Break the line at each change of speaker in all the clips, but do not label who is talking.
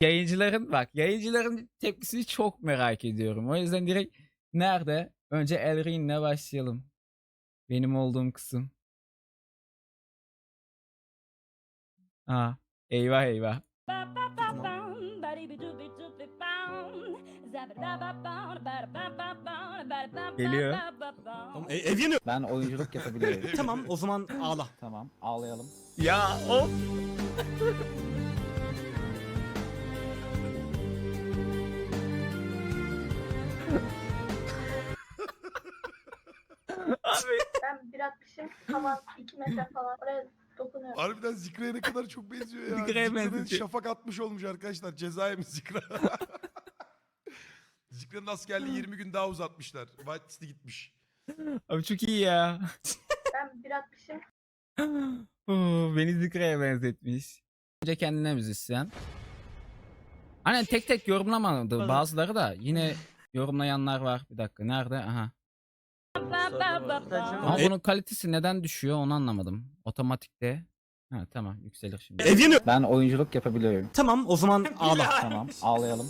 Yayıncıların tepkisini çok merak ediyorum. O yüzden direkt nerede? Önce Elrin'le başlayalım. Benim olduğum kısım. Ha, eyvah eyvah. Geliyor.
Ev yanıyor.
Ben oyunculuk yapabiliyorum.
Tamam o zaman ağla.
Tamam, ağlayalım.
Ya o. Abi
Ben bir atmışım, tavan 2 metre falan, oraya dokunuyorum.
Harbiden Zikra'ya ne kadar çok benziyor ya.
Zikra'ya
Zikra'nın
benzetiyor.
şafak atmış olmuş arkadaşlar. Cezaya mı Zikra? Zikra'nın askerliği 20 gün daha uzatmışlar. Whitelist'e gitmiş.
Abi çok iyi ya.
Ben bir atmışım,
Beni Zikra'ya benzetmiş. Önce kendine müzisyen. Hani tek tek yorumlamadı bazıları da yine yorumlayanlar var. Bir dakika nerede? Aha. Ama bunun kalitesi neden düşüyor onu anlamadım. Otomatikte. Ha tamam yükselir şimdi.
Ev yanıyor.
Ben oyunculuk yapabiliyorum.
Tamam o zaman ağla.
Tamam, ağlayalım.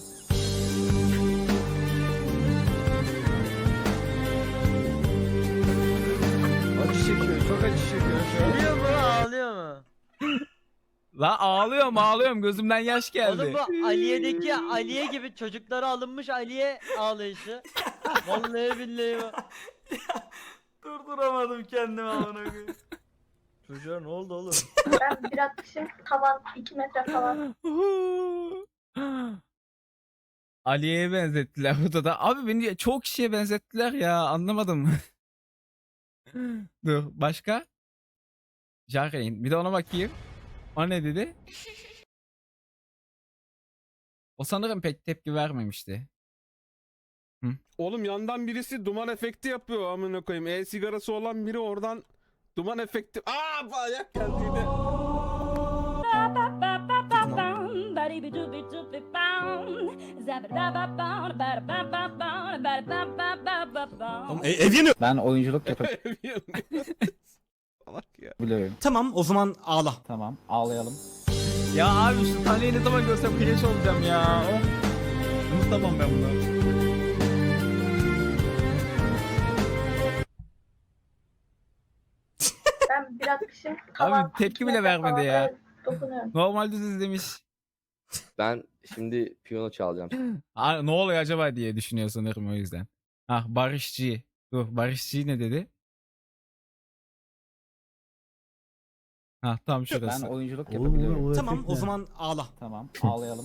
Acı çekiyor, çok acı çekiyor şu an.
Ağlıyor mu? Ağlıyor mu?
La ağlıyorum gözümden yaş geldi.
Oğlum bu Aliye'deki Aliye gibi çocuklara alınmış Aliye ağlayışı. Vallahi billahi bu. Durduramadım kendimi amına koyayım. Çocuğa ne oldu oğlum?
ben bir atmışım, tavan 2 metre falan.
Aliye'ye benzettiler burada da. Abi beni çok kişiye benzettiler ya anlamadım. Dur başka? Jaren bir de ona bakayım. O ne dedi? O sanırım pek tepki vermemişti.
Oğlum yandan birisi duman efekti yapıyor amına koyayım. E-sigarası olan biri oradan duman efekti. Aa ayak geldi yine.
Ev yanıyor.
Ben oyunculuk
Salak ya.
yapabiliyorum.
Tamam o zaman ağla.
Tamam, ağlayalım.
Ya abi şu taneyi ne zaman görsem kreş olacağım ya. Of. Unutamam ben bunu.
Ben bir atmışım, tavan
Abi tepki
2
bile
metre
vermedi
falan,
ya.
oraya dokunuyorum.
Normal düz izlemiş.
Ben şimdi piyano çalacağım.
Aa, ne oluyor acaba diye düşünüyor sanırım o yüzden. Ah Barışçı. Dur Barışçı ne dedi? Ha tam
Ben
şurası.
oyunculuk yapabiliyorum.
Tamam o zaman ağla.
Tamam, ağlayalım.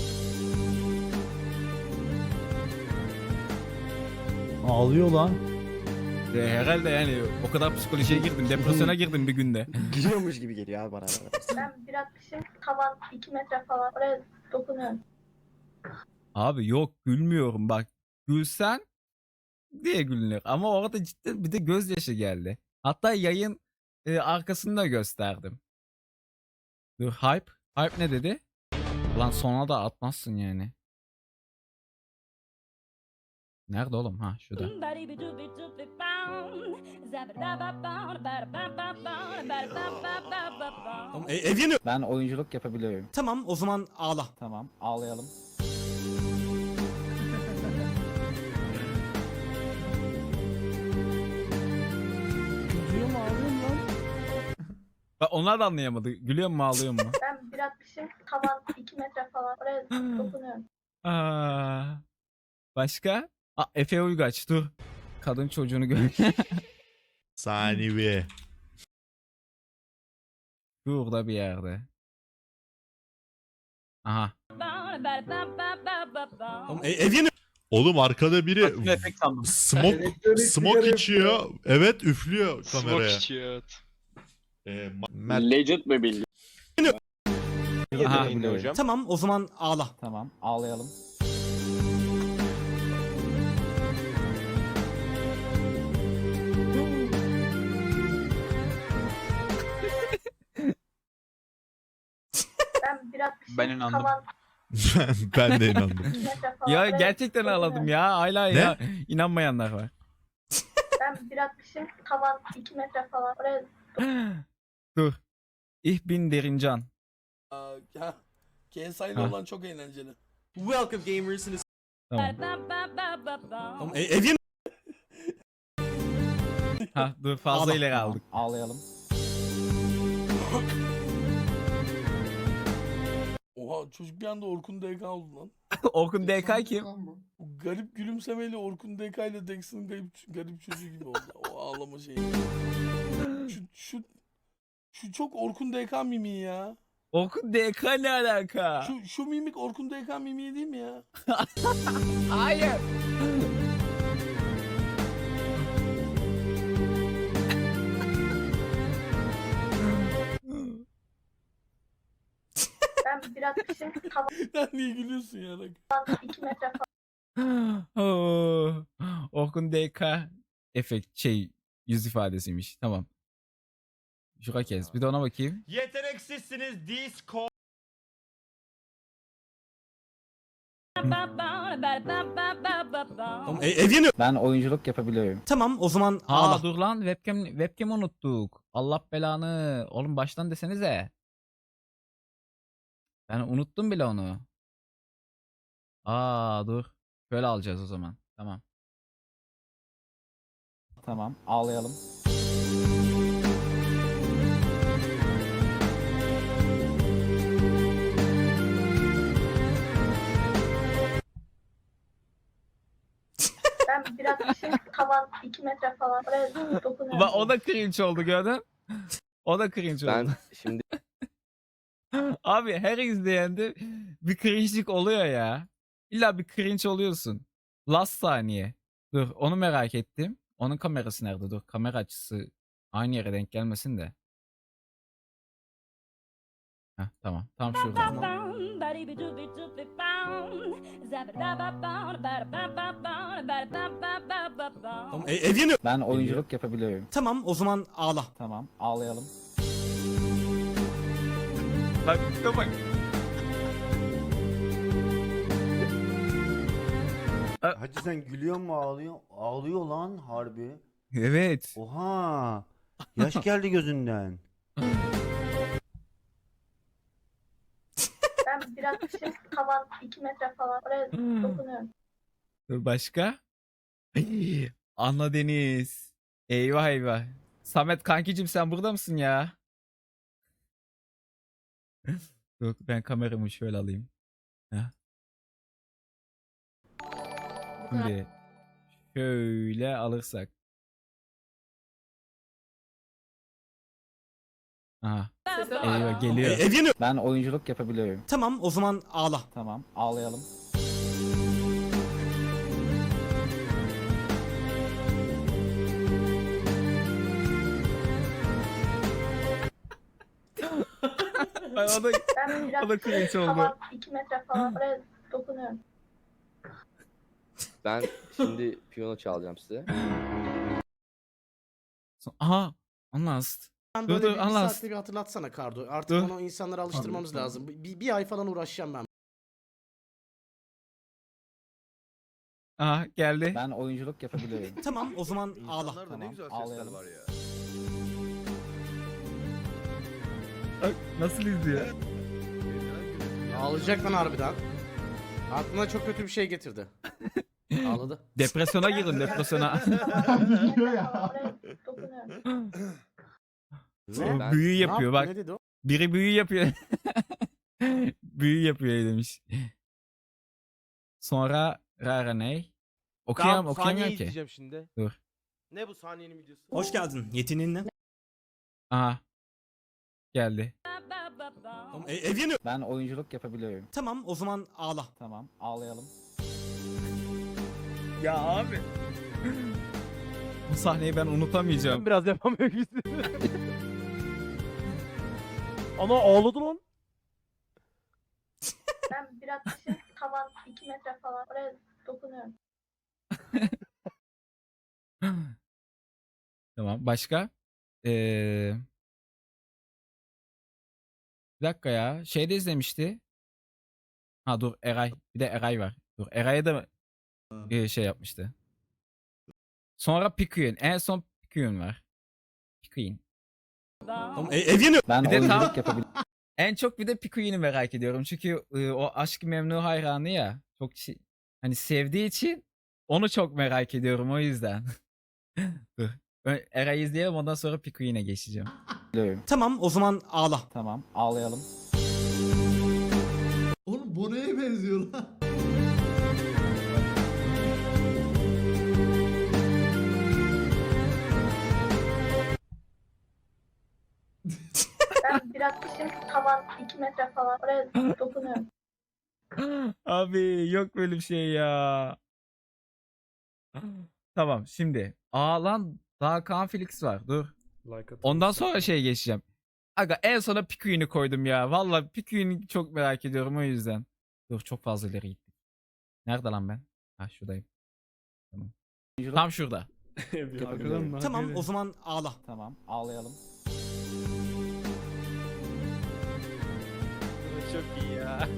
Ağlıyor lan.
Herhalde yani o kadar psikolojiye girdim. Depresyona girdim bir günde.
Gülüyormuş gibi geliyor abi bana.
Ben bir atmışım, tavan 2 metre falan, oraya dokunuyorum.
Abi yok gülmüyorum bak. Gülsen diye gülünür. Ama orada cidden bir de gözyaşı geldi. Hatta yayın arkasını da gösterdim. Dur hype. Hype ne dedi? Lan sona da atmazsın yani. Nerede oğlum? Ha şurada.
Ev yanıyor.
Ben oyunculuk yapabiliyorum.
Tamam o zaman ağla.
Tamam, ağlayalım.
Gülüyor mu ağlıyor mu lan?
Bak onlar da anlayamadı. Gülüyor mu ağlıyor mu?
Ben bir atmışım, tavan 2 metre falan, oraya dokunuyorum.
Aa, başka? Aa, Efe Uygaç dur. Kadın çocuğunu gör.
Saniye.
Burada bir yerde. Aha.
Ev yanıyor.
Oğlum arkada biri smoke içiyor. Evet üflüyor kameraya. Mert
Legend mi bildi?
Aha.
Yapabiliyorum.
Tamam o zaman ağla.
Tamam, ağlayalım.
Ben bir atmışım,
Ben inandım.
tavan
ben de inandım.
2 metre falan,
Ya
oraya
gerçekten ağladım
dokunuyorum.
ya. Hala
Ne?
ya inanmayanlar var.
Ben bir atmışım, tavan 2 metre falan, oraya
Dur. Ich bin Derincan.
KSI ile
Ha.
olan çok eğlenceli.
Welcome gamers.
Tamam.
Tamam, ev yanıyor.
Ha dur fazla
Ağla.
ileri
Tamam,
aldık.
ağlayalım.
Oha çocuk bir anda Orkun DK oldu lan.
Orkun DK kim?
Bu garip gülümsemeyle Orkun DK ile Dex'in garip çocuğu gibi oldu. O ağlama şeyi. Şu çok Orkun DK mimiği ya.
Orkun DK ne alaka?
Şu mimik Orkun DK mimiği değil mi ya?
Hayır.
Ben biraz kışın tavan
Sen niye gülüyorsun ya?
2 metre
Oo. Orkun DK efekt yüz ifadesiymiş. Tamam. Şura kes. Bir de ona bakayım.
Yeteneksizsiniz Discord. Tamam, ev yanıyor.
Ben oyunculuk yapabiliyorum.
Tamam o zaman
Aa
ağla.
dur lan webcam unuttuk. Allah belanı. Oğlum baştan desenize. Ben unuttum bile onu. Aa dur. Şöyle alacağız o zaman. Tamam.
Tamam, ağlayalım.
Ben biraz kışın tavan 2 metre falan oraya dokunuyorum.
Bak o da cringe oldu gördün. O da cringe oldu.
Ben şimdi
Abi her izleyende bir cringe'lik oluyor ya. İlla bir cringe oluyorsun. Last saniye. Dur onu merak ettim. Onun kamerası nerede? Dur kamera açısı aynı yere denk gelmesin de. Heh, tamam. Tam şurada.
Tamam, ev yanıyor.
Ben oyunculuk yapabiliyorum.
Tamam o zaman ağla.
Tamam, ağlayalım.
Bak dur bak.
Hacı sen gülüyor mu ağlıyor? Ağlıyor lan harbi.
Evet.
Oha. Yaş geldi gözünden.
Ben biraz kışın tavan 2 metre falan oraya dokunuyorum.
Dur başka? Anla Deniz. Eyvah eyvah. Samet kankicim sen burada mısın ya? Dur ben kameramı şöyle alayım. Heh. Şimdi şöyle alırsak. Aha. Eyvah geliyor.
Ev yanıyor.
Ben oyunculuk yapabiliyorum.
Tamam o zaman ağla.
Tamam, ağlayalım.
Ay, o da
Ben biraz
O da cringe
kışın
oldu.
tavan 2 metre falan oraya dokunuyorum.
ben şimdi piyano çalacağım size.
aha anlast.
Ben
Dur,
böyle
dur,
bir
anlat.
saatte bir hatırlatsana Kardo. Artık
Dur.
onu insanlara alıştırmamız lazım. Bir ay falan uğraşacağım ben.
Aha geldi.
Ben oyunculuk yapabiliyorum.
Tamam o zaman ağla.
Tamam, ağlayalım.
Bak, nasıl izliyor?
Ağlayacak lan harbiden. Aklına çok kötü bir şey getirdi. Ağladı.
Depresyona girin depresyona.
Tavan 2 metre falan oraya dokunuyorum.
Ne?
Ben-
Büyü
Ne
yapıyor
yaptı,
bak.
Ne dedi o?
Biri büyü yapıyor. Büyü yapıyor demiş. Sonra Rara ney? Okuyamıyorum ki.
Şimdi.
Dur.
Ne bu saniyenin videosu? Hoş geldin. Yeteneğin ne?
Aha. Geldi.
Tamam, ev yanıyor.
Ben oyunculuk yapabiliyorum.
Tamam o zaman ağla.
Tamam, ağlayalım.
Ya abi. Bu sahneyi ben unutamayacağım.
Biraz yapamıyor gibisin. Ana ağladı lan.
Ben biraz kışın tavan 2 metre falan oraya dokunuyorum.
Tamam. Başka? Bir dakika ya. Şeyde izlemişti. Ha dur Eray. Bir de Eray var. Dur Eray'a da şey yapmıştı. Sonra Pikuyun. En son Pikuyun var. Pikuyun.
Tamam, ev yanıyor.
Ben
Bir de tam-
oyunculuk yapabiliyorum.
En çok bir de Pikuin'i merak ediyorum. Çünkü o Aşk-ı Memnu hayranı ya. Çok hani sevdiği için onu çok merak ediyorum o yüzden. Dur. Eray'ı izleyelim ondan sonra Pikuin'e geçeceğim.
Biliyorum.
Tamam o zaman ağla.
Tamam ağlayalım.
Oğlum bu neye benziyor lan?
Ben bir atmışım tavan 2 metre falan. Oraya dokunuyorum.
Abi yok böyle bir şey ya. Tamam şimdi. Aa lan daha Kaan Felix var. Dur. Ondan sonra şeye geçeceğim. Aga en sona Pikuin'i koydum ya. Valla Pikuin'i çok merak ediyorum o yüzden. Dur çok fazla ileri gittim. Nerede lan ben? Ha şuradayım. Tamam. Tam şurada.
Yapabiliyorum.
Tamam o zaman ağla.
Tamam ağlayalım.
Çok iyi ya.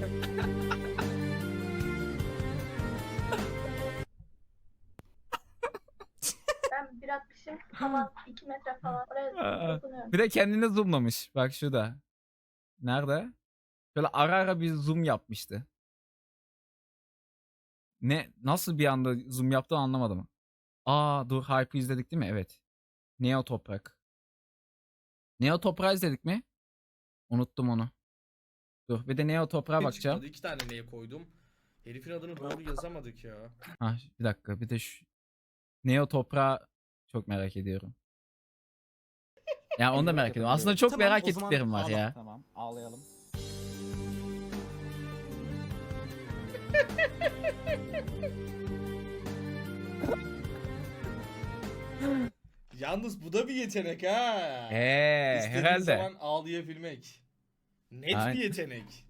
Ben bir atmışım tavan 2 metre falan. Oraya dokunuyorum.
Bir de kendine zoomlamış. Bak şurada. Nerede? Şöyle ara ara bir zoom yapmıştı. Nasıl bir anda zoom yaptı anlamadım. Aa dur Hype'ı izledik değil mi? Evet. Neo Toprak. Neo Toprak izledik mi? Unuttum onu. Dur bir de Neo Toprak'a bakacağım.
2 tane neye koydum? Herifin adını doğru yazamadık ya.
Ha bir dakika bir de şu Neo Toprak'ı çok merak ediyorum. Ya onu da merak ediyorum. Aslında çok
Tamam,
merak
o zaman
ettiklerim var
ağla.
ya.
Tamam ağlayalım.
Yalnız bu da bir yetenek ha. İstediğin
Herhalde.
zaman ağlayabilmek. Net
Aynen.
bir yetenek.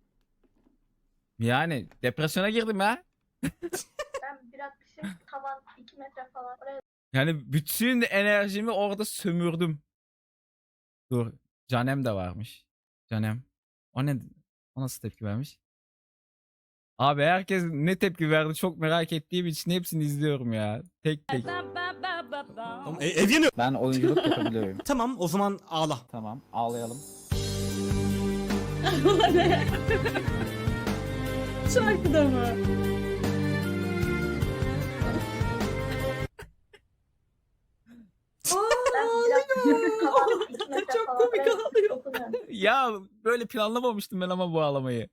Yani depresyona girdim ya.
Ben bir atmışım tavan 2 metre falan. Oraya
Yani bütün enerjimi orada sömürdüm. Dur. Canem de varmış. Canem. O ne? O nasıl tepki vermiş? Abi herkes ne tepki verdi çok merak ettiğim için hepsini izliyorum ya. Tek tek.
Tamam, ev yanıyor.
Ben oyunculuk yapabiliyorum.
Tamam o zaman ağla.
Tamam ağlayalım.
Şarkıda mı?
ben bir atmışım tavan 2 metre
Çok
falan.
komik
Oraya
ağlıyor.
dokunuyorum.
Ya böyle planlamamıştım ben ama bu ağlamayı.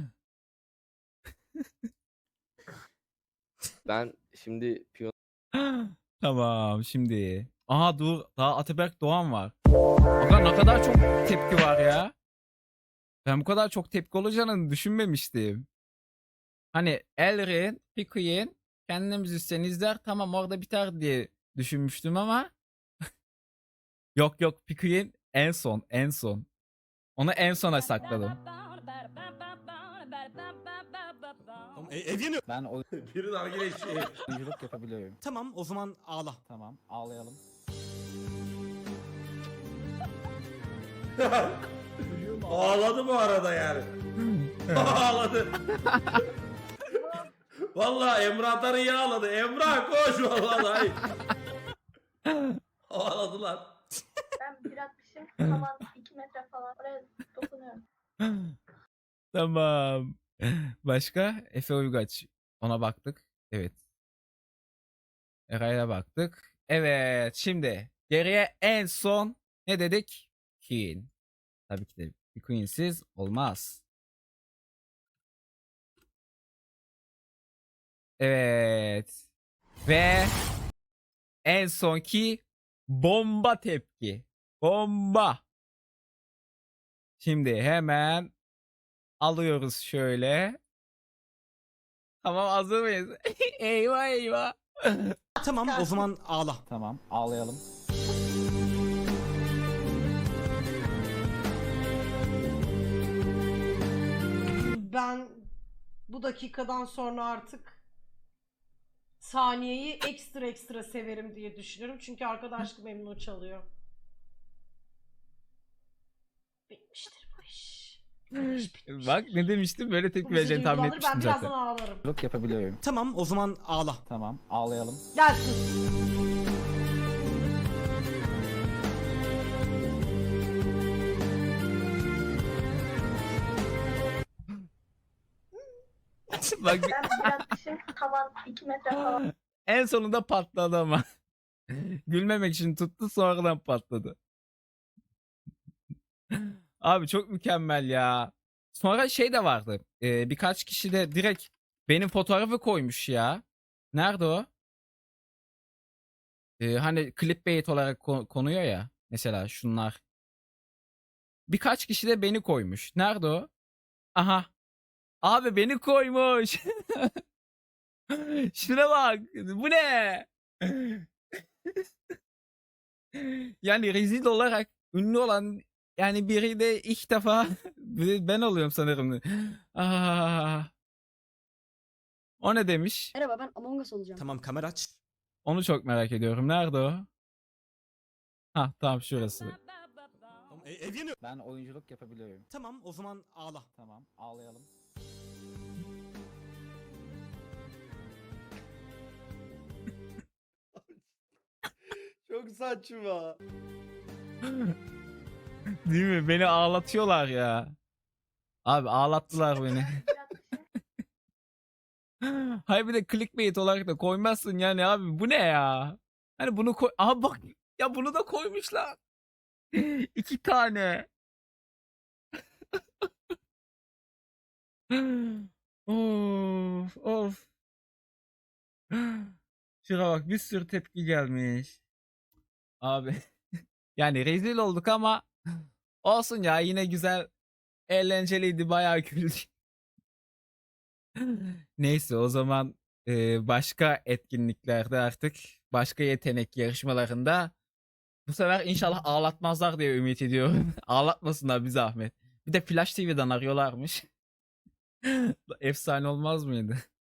Ben şimdi piyano
Tamam şimdi. Aha dur daha Ataberk Doğan var. Aga ne kadar çok tepki var ya. Ben bu kadar çok tepki olacağını düşünmemiştim. Hani Elrin, Pikuin kendi müzisyen izler tamam orada biter diye düşünmüştüm ama yok yok Pikuin en son. Onu en sona sakladım.
Tamam, ev yanıyor.
Ben
Biri nargile içiyor.
oyunculuk yapabiliyorum.
Tamam o zaman ağla.
Tamam ağlayalım.
Ağladı bu arada yani. Ağladı. Vallahi Emrah Atar'ı iyi ağladı. Emrah koş vallahi. Ağladılar.
Ben bir atmışım tavan 2 metre falan. Oraya dokunuyorum.
Tamam. Başka? Efe Uygaç. Ona baktık. Evet. Eray'a baktık. Evet. Şimdi geriye en son ne dedik? Queen. Tabii ki de bir Queen'siz olmaz. Evet. Ve en sonki bomba tepki. Bomba. Şimdi hemen alıyoruz şöyle. Tamam hazır mıyız? Eyvah eyvah.
Tamam o zaman ağla.
Tamam ağlayalım.
Ben bu dakikadan sonra artık saniyeyi ekstra severim diye düşünüyorum. Çünkü arkadaşlık memnun çalıyor. Bitmiştir bu iş. Bu iş bitmiştir.
Bak ne demiştim böyle
Bu
tepki
bizi
vereceğini tahmin
duygulandırır, ben
etmiştim
birazdan
zaten.
ağlarım.
Oyunculuk yapabiliyorum.
Tamam o zaman ağla.
Tamam ağlayalım.
Gelsin.
Bak
Ben bir atmışım tavan 2 metre falan.
en sonunda patladı ama. Gülmemek için tuttu sonradan patladı. Abi çok mükemmel ya. Sonra şey de vardı. Birkaç kişi de direkt benim fotoğrafı koymuş ya. Nerede o? Hani clickbait olarak konuyor ya. Mesela şunlar. Birkaç kişi de beni koymuş. Nerede o? Aha. Abi beni koymuş. Şuna bak. Bu ne? Yani rezil olarak ünlü olan yani biri de ilk defa ben oluyorum sanırım. O ne demiş?
Merhaba ben Among Us olacağım.
Tamam kamera aç.
Onu çok merak ediyorum. Nerede o? Ha tamam şurası.
Tamam, ev yanıyor.
Ben oyunculuk yapabiliyorum.
Tamam o zaman ağla.
Tamam ağlayalım.
Çok saçma.
Değil mi? Beni ağlatıyorlar ya. Abi ağlattılar beni. Hayır bir de clickbait olarak da koymazsın yani abi. Bu ne ya? Hani bunu koy... Aha bak ya bunu da koymuşlar. 2 tane. Of of. Şuna bak bir sürü tepki gelmiş. Abi. Yani rezil olduk ama olsun ya yine güzel eğlenceliydi bayağı güldük. Neyse o zaman başka etkinliklerde artık başka yetenek yarışmalarında bu sefer inşallah ağlatmazlar diye ümit ediyorum. Ağlatmasınlar bir zahmet. Bir de Flash TV'den arıyorlarmış. Efsane olmaz mıydı?